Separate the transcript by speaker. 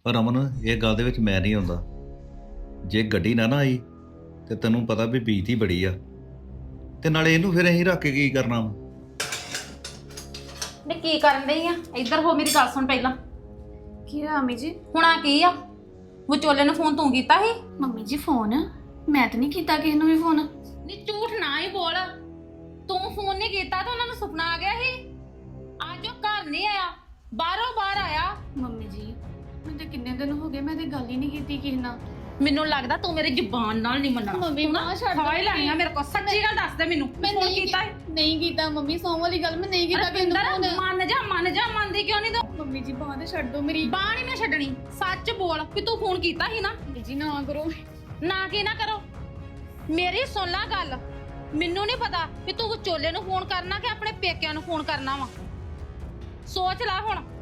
Speaker 1: ਪਰ ਅਮਨ ਇਹ ਗੱਲ ਦੇ ਵਿੱਚ ਮੈਂ ਨਹੀਂ ਆਉਂਦਾ। ਜੇ ਗੱਡੀ ਨਾ ਆਈ ਤੇ ਤੈਨੂੰ ਪਤਾ ਵੀ ਬੀਤ ਹੀ ਬੜੀ ਆ, ਤੇ ਨਾਲੇ ਇਹਨੂੰ ਫਿਰ ਅਸੀਂ ਰੱਖ ਕੇ ਕੀ ਕਰਨਾ ਵਾ?
Speaker 2: ਨੇ ਕੀ ਕਰਨ ਡਈ ਆ? ਇੱਧਰ ਹੋ, ਮੇਰੀ ਗੱਲ ਸੁਣ ਪਹਿਲਾਂ।
Speaker 3: ਕੀ ਹੋਇਆ ਮੰਮੀ ਜੀ?
Speaker 2: ਹੁਣ ਆ ਕੀ ਆ? ਵਿਚੋਲੇ ਨੂੰ ਫੋਨ ਤੂੰ ਕੀਤਾ ਸੀ?
Speaker 3: ਮੰਮੀ ਜੀ ਫੋਨ ਮੈਂ ਤਾਂ ਨਹੀਂ ਕੀਤਾ ਕਿਸੇ ਨੂੰ ਵੀ ਫੋਨ।
Speaker 2: ਨਹੀਂ ਝੂਠ ਨਾ ਹੀ ਬੋਲ। ਤੂੰ ਫੋਨ ਨਹੀਂ ਕੀਤਾ ਤਾਂ ਉਹਨਾਂ ਨੂੰ ਸੁਪਨਾ ਆ ਗਿਆ ਸੀ। ਅੱਜ ਉਹ ਘਰ ਨਹੀਂ ਆਇਆ, ਬਾਹਰੋਂ ਬਾਹਰ ਆਇਆ।
Speaker 3: ਮੰਮੀ ਜੀ ਮੈਨੂੰ ਤਾਂ ਕਿੰਨੇ ਦਿਨ ਹੋ ਗਏ, ਮੈਂ ਤੇ ਗੱਲ ਹੀ ਨਹੀਂ ਕੀਤੀ ਕਿਸੇ ਨਾਲ।
Speaker 2: ਮੈਨੂੰ ਲੱਗਦਾ ਤੂੰ ਮੇਰੀ ਜ਼ੁਬਾਨ ਨਾਲ ਨਹੀਂ ਮੰਨਣਾ।
Speaker 3: ਮੰਮੀ ਮਾਂ ਛੱਡ
Speaker 2: ਖਾ ਹੀ ਲੈਣੀ ਆ ਮੇਰੇ ਕੋਲ। ਸੱਚੀ ਗੱਲ ਦੱਸ ਦੇ ਮੈਨੂੰ,
Speaker 3: ਮੈਂ
Speaker 2: ਫੋਨ
Speaker 3: ਨਹੀਂ
Speaker 2: ਕੀਤਾ?
Speaker 3: ਨਹੀਂ ਕੀਤਾ ਮੰਮੀ, ਸੌਂ ਵਾਲੀ ਗੱਲ ਮੈਂ ਨਹੀਂ ਕੀਤਾ ਕਿਸੇ ਨੂੰ
Speaker 2: ਰਪਿੰਦਰ
Speaker 3: ਫੋਨ।
Speaker 2: ਮੰਨ ਜਾ ਮੰਨਦੀ ਕਿਉਂ ਨਹੀਂ ਤੂੰ?
Speaker 3: ਮੰਮੀ ਜੀ ਬਾਂਹ ਤੇ ਛੱਡ ਦੋ ਮੇਰੀ।
Speaker 2: ਬਾਂਹ ਨਹੀਂ ਮੈਂ ਛੱਡਣੀ। ਸੱਚ ਬੋਲ ਕਿ ਤੂੰ ਫੋਨ ਕੀਤਾ ਸੀ ਨਾ?
Speaker 3: ਮੰਮੀ ਜੀ ਨਾ ਕਰੋ।
Speaker 2: ਨਾ ਕੀ ਨਾ ਕਰੋ, ਮੇਰੀ ਸੁਣ ਲੈ ਗੱਲ। ਮੈਨੂੰ ਨਹੀਂ ਪਤਾ ਕਿ ਤੂੰ ਵਿਚੋਲੇ ਨੂੰ ਫੋਨ ਕਰਨਾ ਕਿ ਆਪਣੇ ਪੇਕਿਆਂ ਨੂੰ ਫੋਨ ਕਰਨਾ ਵਾ। ਸੋਚ ਲੈ ਹੁਣ।